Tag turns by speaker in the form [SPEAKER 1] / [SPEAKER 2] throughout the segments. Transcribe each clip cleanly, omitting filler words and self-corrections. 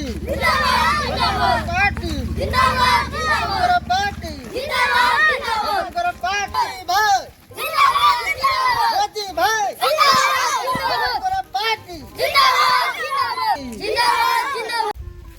[SPEAKER 1] জিন্দাবাদ পার্টি জিন্দাবাদ জিন্দাবাদ পার্টি জিন্দাবাদ জিন্দাবাদ পার্টি ভাই জিন্দাবাদ জিন্দাবাদ মোদি ভাই জিন্দাবাদ পার্টি জিন্দাবাদ জিন্দাবাদ জিন্দাবাদ জিন্দাবাদ।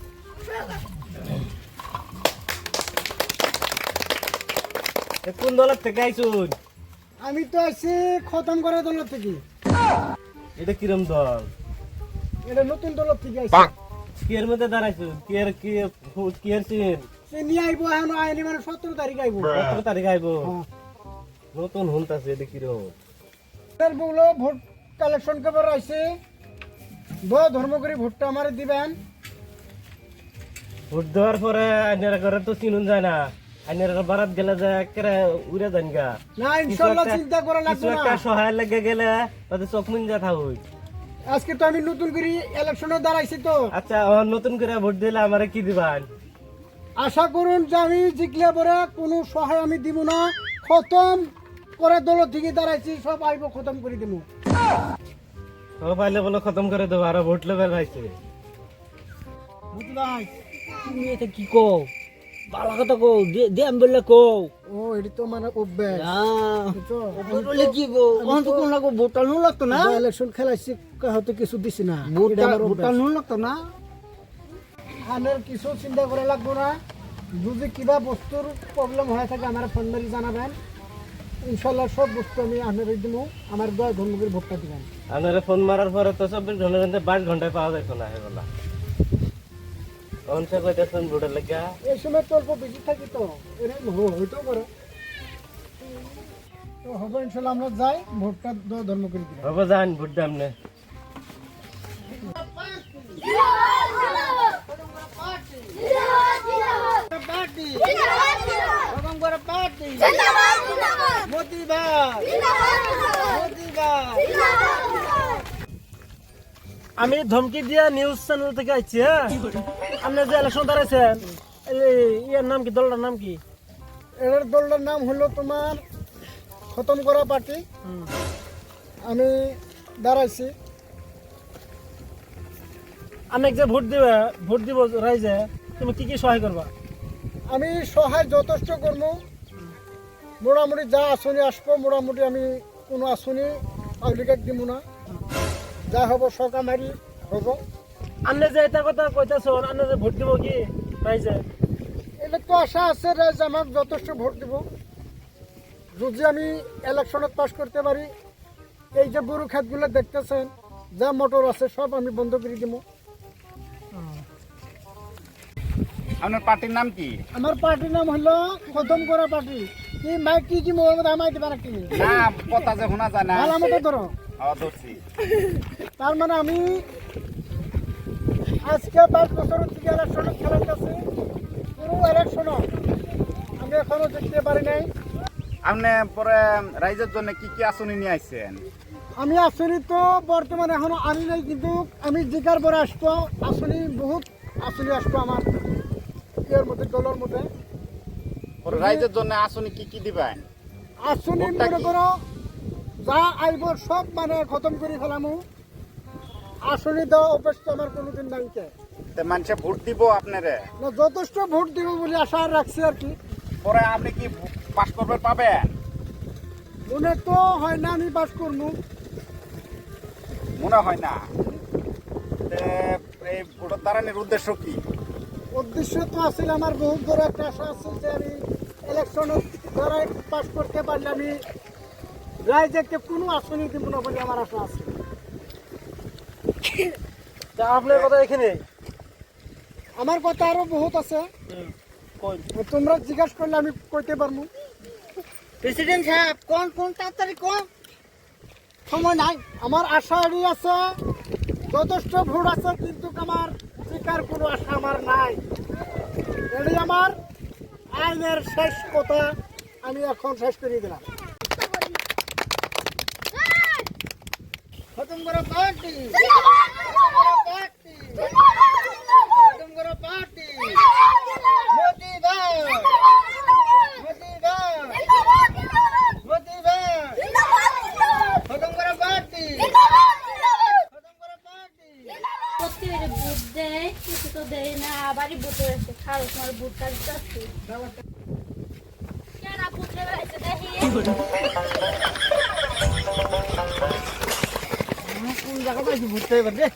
[SPEAKER 2] কোন দলের থেকে আইছুন?
[SPEAKER 3] আমি তো আছি খতম করা দল থেকে।
[SPEAKER 2] এটা কিরম দল?
[SPEAKER 3] এটা নতুন দল থেকে আইছি।
[SPEAKER 2] কি এর মধ্যে দাঁড়াইছুন? কি এর সিন?
[SPEAKER 3] সে নিয়ে আইবো এখন আইনি মানে 17 তারিখ আইবো।
[SPEAKER 2] 17 তারিখ আইবো।
[SPEAKER 3] হ্যাঁ।
[SPEAKER 2] নতুন হুনতাছে এটা কিরম?
[SPEAKER 3] এর বউলো ভোট কালেকশন করবার আইছে। ধর্ম করে ভোটটা আমারে দিবেন।
[SPEAKER 2] ভোট দেওয়ার পরে আইনারা করে তো চিনুন যায় না। আইনারা বারাত গেলে যে একেবারে উড়ে যান গা।
[SPEAKER 3] না ইনশাআল্লাহ চিন্তা করা লাগবে
[SPEAKER 2] কিছু
[SPEAKER 3] না।
[SPEAKER 2] একটা সহায় লেগে গেলে তাদের চোখ মুন যা থাকুই।
[SPEAKER 3] আজকে তো আমি নতুন করে ইলেকশনে দাঁড়াইছি তো।
[SPEAKER 2] আচ্ছা আমার নতুন করে ভোট দিলে আমারে কি দিবেন?
[SPEAKER 3] আশা করুন যে আমি জিতলে পরে কোনো সহায় আমি দিব না। খতম করে দল থেকে দাঁড়াইছি, সব আইব খতম করে দিব।
[SPEAKER 2] ও পাইলে বলো খতম করে দেবো, আরো ভোট লেবে পাইছে।
[SPEAKER 3] বুঝলাই?
[SPEAKER 4] তুমি এটা কি কও? ভালো কথা কও, দেম বললে কও।
[SPEAKER 3] ও এটি তো মানে অভ্যাস। বুঝছো?
[SPEAKER 4] বললে কি গো? ওখান তো কোন লাগো ভোটটা নুন লাগতো না?
[SPEAKER 3] ইলেকশন খেলাইছি হয়তো কিছু দিছি না।
[SPEAKER 4] ভোটটা
[SPEAKER 3] এটা আমার
[SPEAKER 4] ভোটটা
[SPEAKER 3] অভ্যাস।
[SPEAKER 4] নুন লাগতো না?
[SPEAKER 3] আনের কিছু চিন্তা করা লাগবো না। যদি কিবা বস্তুর প্রবলেম হয়ে থাকে আমার ফোন মারি জানাবেন। ইনশাল্লাহ সব বস্তু আমি আনের দিব। আমার দয়া ধর্মকে ভোটটা দিবেন।
[SPEAKER 2] আপনারা ফোন মারার পরে তো 24 ঘন্টার মধ্যে 22 ঘন্টায় পাওয়া যাইতো না হেবলা। অনসা কইতেছেন ভোটের লাগা।
[SPEAKER 3] এই সময় তো অল্প বেশি থাকি তো এরকম হইতেও পারে। তো হবে ইনশাল্লাহ আমরা যাই ভোটটা দয়া ধর্ম করে দিবেন।
[SPEAKER 2] হবে যান ভোট দাম নে।
[SPEAKER 3] পার্টি
[SPEAKER 1] জিন্দাবাদ জিন্দাবাদ
[SPEAKER 3] খতম করে পার্টি
[SPEAKER 1] জিন্দাবাদ জিন্দাবাদ
[SPEAKER 3] মোদি ভাই মোদি ভাই।
[SPEAKER 4] আমি ধমকি দিয়া নিউজ চ্যানেল থেকে আইছি। হ্যাঁ, আপনি যে ইলেকশন দাঁড়াইছেন, ইয়ার নাম কি? দলটার নাম কি?
[SPEAKER 3] এর দলটার নাম হলো তোমার খতম করা পার্টি। আমি দাঁড়াইছি।
[SPEAKER 4] আমি যে ভোট দিব রাইজে, তুমি কি কি সহায় করবা?
[SPEAKER 3] আমি সহায় যথেষ্ট করবো। মোটামুটি যা আসনি আসবো, মোটামুটি আমি কোনো আসনি পাবলিক দিব না। যা হব সকামারি হব।
[SPEAKER 4] আপনি যে এটা কথা কইতেছ, আপনি যে ভোট দিব কি রাইজে?
[SPEAKER 3] এটা তো আশা আছে যে আমার যথেষ্ট ভোট দিব। যদি আমি ইলেকশনত পাস করতে পারি, এই যে গরু ক্ষেতগুলো দেখতেছেন, যা মোটর আছে সব আমি বন্ধ করে দিব।
[SPEAKER 5] আপনার পার্টির নাম কি?
[SPEAKER 3] আমার পার্টির নাম হলো খতম করা পার্টি। কি মাইক কি মোহাম্মদ আমায় দিবা নাকি?
[SPEAKER 5] না, কথা যে শোনা যায় না।
[SPEAKER 3] ভালো মতো ধরো।
[SPEAKER 5] ধরছি।
[SPEAKER 3] তার মানে আমি আজকে 5 বছর থেকে ইলেকশনে খেলাইতেছি। পুরো ইলেকশন আমি এখনো দেখতে পারি নাই।
[SPEAKER 5] আপনি পরে রাইজের জন্য কি কি আসনি নিয়ে আইছেন?
[SPEAKER 3] আমি আসনি তো বর্তমানে এখনো আনি নাই, কিন্তু আমি জিকার পরে আসবো। আসনি বহুত আসনি আসবো আমার ইয়ের মধ্যে, দলের মধ্যে।
[SPEAKER 5] পরে রাইজের জন্য আসনি কি কি দিবেন?
[SPEAKER 3] আসনি
[SPEAKER 5] ভোটটা
[SPEAKER 3] মনে
[SPEAKER 5] কি?
[SPEAKER 3] করো যা আইব সব মানে খতম করে ফেলামু। আসনি দেওয়া অভ্যাস তো আমার কোনোদিন নাই।
[SPEAKER 5] মানুষে ভোট দিব আপনারে,
[SPEAKER 3] না যথেষ্ট ভোট দিব বলে আশা রাখছি আর কি।
[SPEAKER 5] পরে আপনি কি পাস করবে পাবেন?
[SPEAKER 3] মনে তো হয় না আমি পাস করবো।
[SPEAKER 5] মনে হয় না। তে এই ভোটের দাঁড়ানোর উদ্দেশ্য কি?
[SPEAKER 3] উদ্দেশ্য তো আসলে আমার বহুত বড় একটা আশা আছে যে আমি ইলেকশনের দ্বারা পাস করতে পারলে আমি রাইজেকে কোনো আসনি দিব না বলে আমার আশা আছে।
[SPEAKER 4] তা আপনার কথা এখানে
[SPEAKER 3] আমার কথা আরো বহুত আছে, তোমরা জিজ্ঞাসা করলে আমি কইতে পারবো।
[SPEAKER 4] প্রেসিডেন্ট সাহেব কোন কোন তাড়াতাড়ি কোন,
[SPEAKER 3] সময় নাই। আমার আশা এড়ি আছে, যথেষ্ট ভোট আছে, কিন্তু আমার শিকার কোনো আশা আমার নাই। এড়ি আমার আইনের শেষ কথা আমি এখন শেষ করে দিলাম। খতম করা পার্টি পার্টি খতম করা পার্টি মোদি ভাই মোদি ভাই মোদি ভাই খতম করা পার্টি খতম করা পার্টি
[SPEAKER 1] প্রত্যেকের ভোট দেয় কিছু তো দেই না বাড়ি বুট হয়েছে খাও তোমার বুটটা দিচ্ছি কেন বুটে বেড়াইছে দেখি
[SPEAKER 3] কোন জায়গা পাইছি ভুটতে এবার রে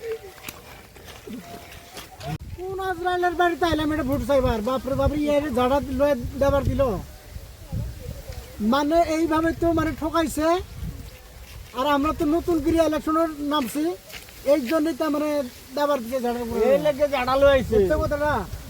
[SPEAKER 3] কোন আজরাইলের বাড়িতে আইলাম এটা ভোট চাইবার বাপরে বাপরে এর ঝাড়া লয়ে দেবার দিল মানে এইভাবে তো মানে ঠকাইছে আর আমরা তো নতুন করে ইলেকশনের নামছি এই জন্যই তো মানে দেবার দিকে ঝাড়া
[SPEAKER 4] এই লেগে জাডা লই আইছে
[SPEAKER 3] কথাটা